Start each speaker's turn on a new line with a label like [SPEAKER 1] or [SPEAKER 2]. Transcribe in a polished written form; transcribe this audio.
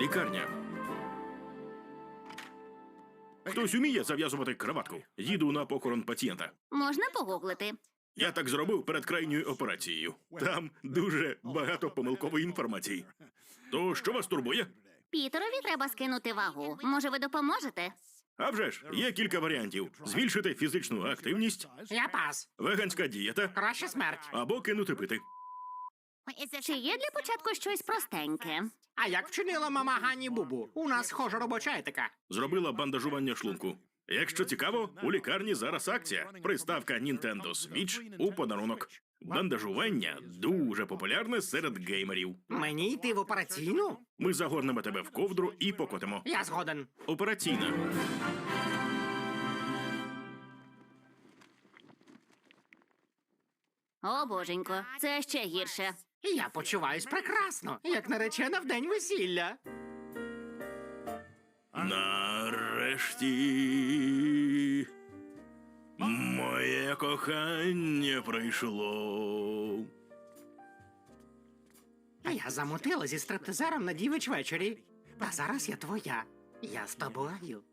[SPEAKER 1] Лікарня. Хтось уміє зав'язувати краватку? Їду на похорон пацієнта.
[SPEAKER 2] Можна погуглити.
[SPEAKER 1] Я так зробив перед крайньою операцією. Там дуже багато помилкової інформації. То що вас турбує?
[SPEAKER 2] Пітерові треба скинути вагу. Може, ви допоможете?
[SPEAKER 1] А вже ж, є кілька варіантів. Збільшити фізичну активність,
[SPEAKER 3] Я пас.
[SPEAKER 1] веганська дієта
[SPEAKER 3] Краще смерть.
[SPEAKER 1] або кинути пити.
[SPEAKER 2] Чи є для початку щось простеньке?
[SPEAKER 3] А як вчинила мама Гані Бубу? У нас схожа робоча етика.
[SPEAKER 1] Зробила бандажування шлунку. Якщо цікаво, у лікарні зараз акція. Приставка Nintendo Switch у подарунок. Бандажування дуже популярне серед геймерів.
[SPEAKER 3] Мені йти в операційну?
[SPEAKER 1] Ми загорнемо тебе в ковдру і покотимо.
[SPEAKER 3] Я згоден.
[SPEAKER 1] Операційна.
[SPEAKER 2] О, боженько, це ще гірше.
[SPEAKER 3] Я почуваюсь прекрасно, як наречена в день весілля.
[SPEAKER 1] Нарешті моє кохання прийшло.
[SPEAKER 3] А я замутила зі стриптизером на дівич вечорі. А зараз я твоя. Я з тобою.